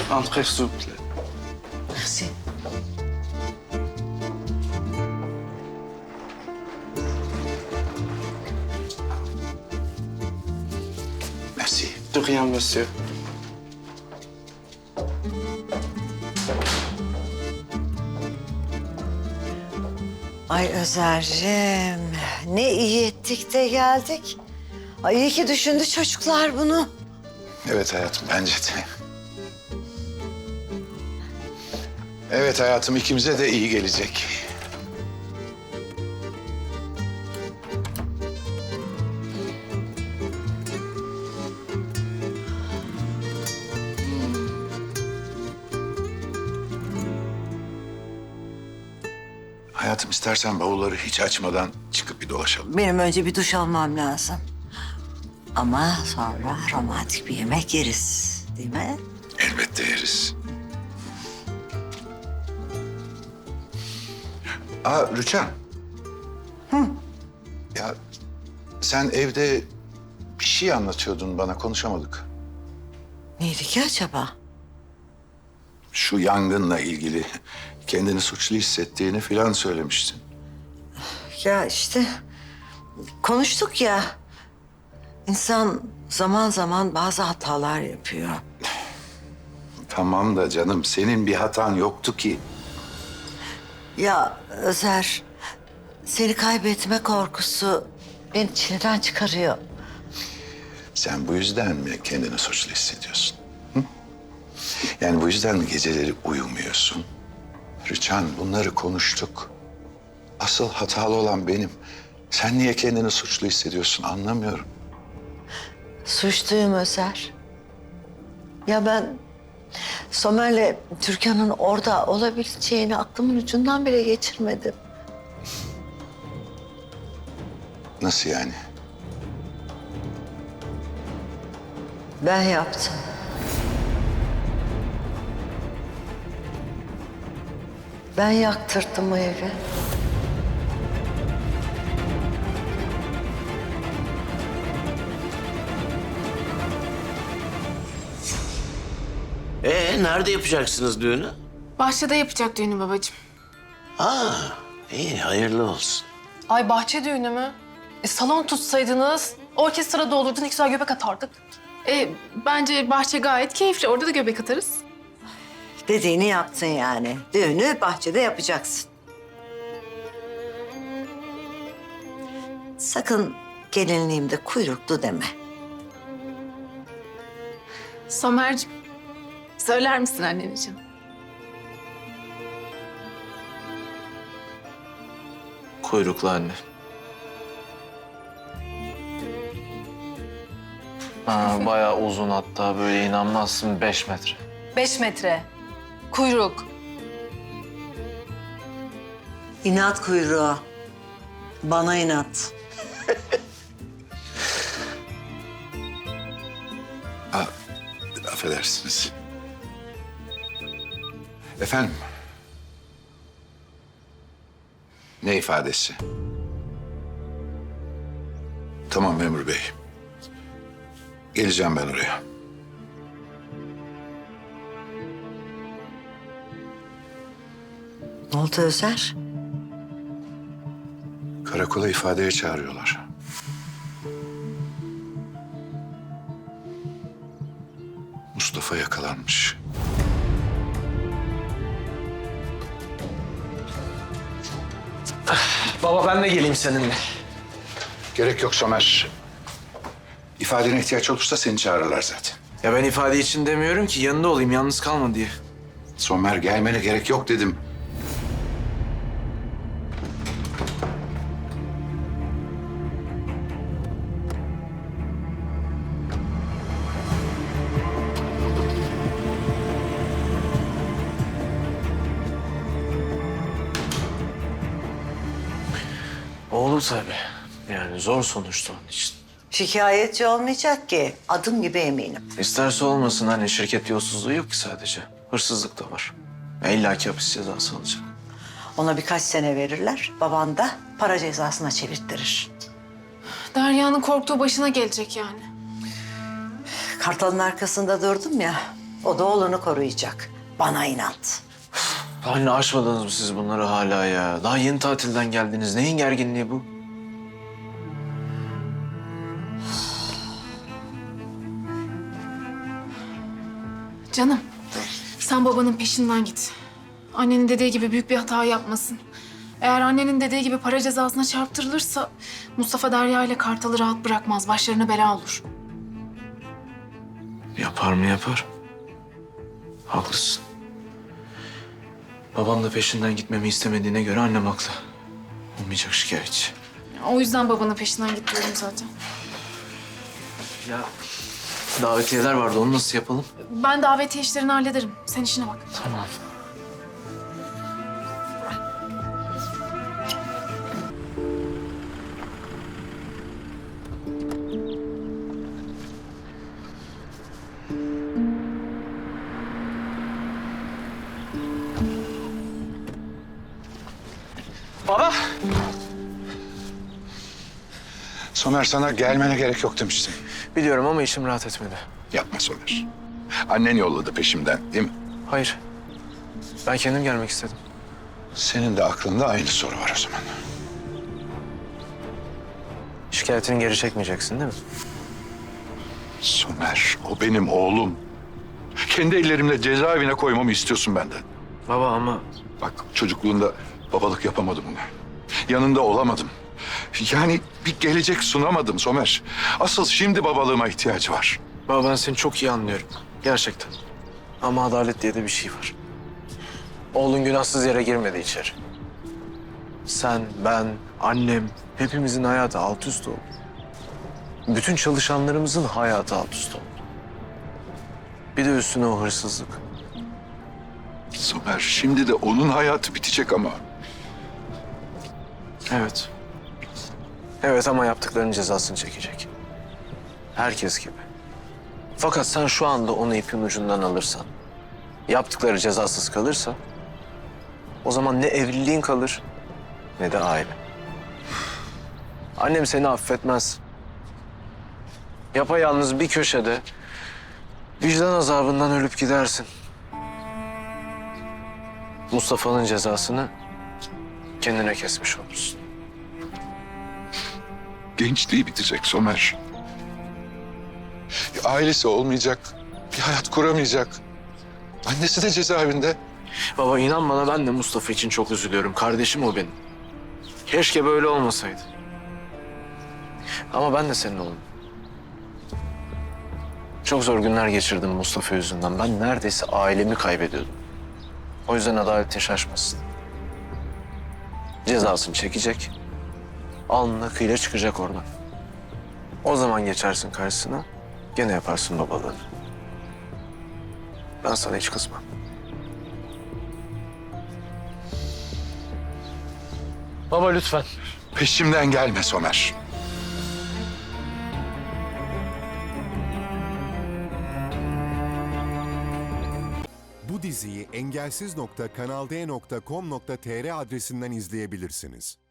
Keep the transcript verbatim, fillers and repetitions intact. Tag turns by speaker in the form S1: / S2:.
S1: Entrez, s'il vous plaît.
S2: Merci.
S3: Merci.
S1: De rien, monsieur.
S2: Ay Özer'cim, ne iyi ettik de geldik. Ay iyi ki düşündü çocuklar bunu.
S3: Evet hayatım, bence de. Evet hayatım, ikimize de iyi gelecek. Hayatım, istersen bavulları hiç açmadan çıkıp bir dolaşalım.
S2: Benim önce bir duş almam lazım. Ama sonra romantik bir yemek yeriz, değil mi?
S3: Elbette yeriz. Aa Rüçhan. Hı. Ya sen evde bir şey anlatıyordun bana, konuşamadık.
S2: Neydi ki acaba?
S3: Şu yangınla ilgili kendini suçlu hissettiğini filan söylemiştin.
S2: Ya işte konuştuk ya. İnsan zaman zaman bazı hatalar yapıyor.
S3: Tamam da canım, senin bir hatan yoktu ki.
S2: Ya Özer, seni kaybetme korkusu beni çileden çıkarıyor.
S3: Sen bu yüzden mi kendini suçlu hissediyorsun? Hı? Yani bu yüzden mi geceleri uyumuyorsun? Rüçhan, bunları konuştuk. Asıl hatalı olan benim. Sen niye kendini suçlu hissediyorsun anlamıyorum.
S2: Suçluyum Özer. Ya ben Somer'le Türkan'ın orada olabileceğini aklımın ucundan bile geçirmedim.
S3: Nasıl yani?
S2: Ben yaptım. Ben yaktırdım o evi.
S4: Ee, nerede yapacaksınız düğünü?
S5: Bahçede yapacak düğünü babacığım.
S4: Aa, iyi, hayırlı olsun.
S5: Ay bahçe düğünü mü? E, salon tutsaydınız, orkestra doldurdun, ne güzel göbek atardık. E, bence bahçe gayet keyifli, orada da göbek atarız.
S2: Dediğini yaptın yani. Düğünü bahçede yapacaksın. Sakın gelinliğimde kuyruklu deme.
S5: Somer'cim, söyler misin anneciğim?
S1: Kuyruklu anne. Ha, bayağı uzun, hatta böyle inanmazsın beş metre.
S5: Beş metre. Kuyruk.
S2: İnat kuyruğu. Bana inat.
S3: Aa, affedersiniz. Efendim? Ne ifadesi? Tamam memur bey. Geleceğim ben oraya.
S2: Ne oldu Özer?
S3: Karakola ifadeye çağırıyorlar. Mustafa yakalanmış.
S1: Baba ben de geleyim seninle.
S3: Gerek yok Somer. İfadene ihtiyaç olursa seni çağırırlar zaten.
S1: Ya ben ifade için demiyorum ki, yanında olayım, yalnız kalma diye.
S3: Somer, gelmene gerek yok dedim.
S1: Olur tabii. Yani zor sonuçta onun için.
S2: Şikayetçi olmayacak ki. Adım gibi eminim.
S1: İsterse olmasın, hani şirket yolsuzluğu yok ki sadece. Hırsızlık da var. Ya İlla ki hapis cezası alacak.
S2: Ona birkaç sene verirler. Baban da para cezasına çevirttirir.
S5: Derya'nın korktuğu başına gelecek yani.
S2: Kartalın arkasında durdum ya. O da oğlunu koruyacak. Bana inat.
S1: Anne aşmadınız mı siz bunları hala ya? Daha yeni tatilden geldiniz. Neyin gerginliği bu?
S5: Canım, sen babanın peşinden git. Annenin dediği gibi büyük bir hata yapmasın. Eğer annenin dediği gibi para cezasına çarptırılırsa Mustafa Derya ile Kartal'ı rahat bırakmaz. Başlarına bela olur.
S1: Yapar mı yapar. Haklısın. Babam da peşinden gitmemi istemediğine göre annem haklı. Olmayacak şikayetçi.
S5: O yüzden babanın peşinden git diyorum zaten.
S1: Ya davetiyeler vardı, onu nasıl yapalım?
S5: Ben davetiye işlerini hallederim. Sen işine bak.
S1: Tamam. Baba.
S3: Somer, sana gelmene gerek yok demiştim.
S1: Biliyorum ama içim rahat etmedi.
S3: Yapma Somer. Annen yolladı peşimden, değil mi?
S1: Hayır. Ben kendim gelmek istedim.
S3: Senin de aklında aynı soru var o zaman.
S1: Şikayetini geri çekmeyeceksin değil mi?
S3: Somer, o benim oğlum. Kendi ellerimle cezaevine koymamı istiyorsun benden.
S1: Baba ama
S3: Bak, çocukluğunda babalık yapamadım ona. Yanında olamadım. Yani bir gelecek sunamadım Somer. Asıl şimdi babalığıma ihtiyacı var.
S1: baba ben seni çok iyi anlıyorum. Gerçekten. Ama adalet diye de bir şey var. Oğlun günahsız yere girmedi içeri. Sen, ben, annem hepimizin hayatı alt üst oldu. Bütün çalışanlarımızın hayatı alt üst oldu. Bir de üstüne o hırsızlık.
S3: Somer, şimdi de onun hayatı bitecek ama.
S1: Evet. Evet ama yaptıklarının cezasını çekecek. Herkes gibi. Fakat sen şu anda onu ipin ucundan alırsan, yaptıkları cezasız kalırsa, o zaman ne evliliğin kalır ne de aile. Annem seni affetmez. Yapayalnız bir köşede vicdan azabından ölüp gidersin. Mustafa'nın cezasını kendine kesmiş olursun.
S3: Gençliği bitecek Somer. Ailesi olmayacak, bir hayat kuramayacak. Annesi de cezaevinde.
S1: Baba inan bana ben de Mustafa için çok üzülüyorum. Kardeşim o benim. Keşke böyle olmasaydı. Ama ben de senin oğlum. Çok zor günler geçirdim Mustafa yüzünden. Ben neredeyse ailemi kaybediyordum. O yüzden adaletin şaşmasın. Cezasını çekecek. Alnına kıyla çıkacak oradan. O zaman geçersin karşısına. Gene yaparsın babalığını. Ben sana hiç kızmam. Baba lütfen.
S3: Peşimden gelme Somer.
S6: Bu diziyi engelsiz nokta kanal d nokta com nokta tr adresinden izleyebilirsiniz.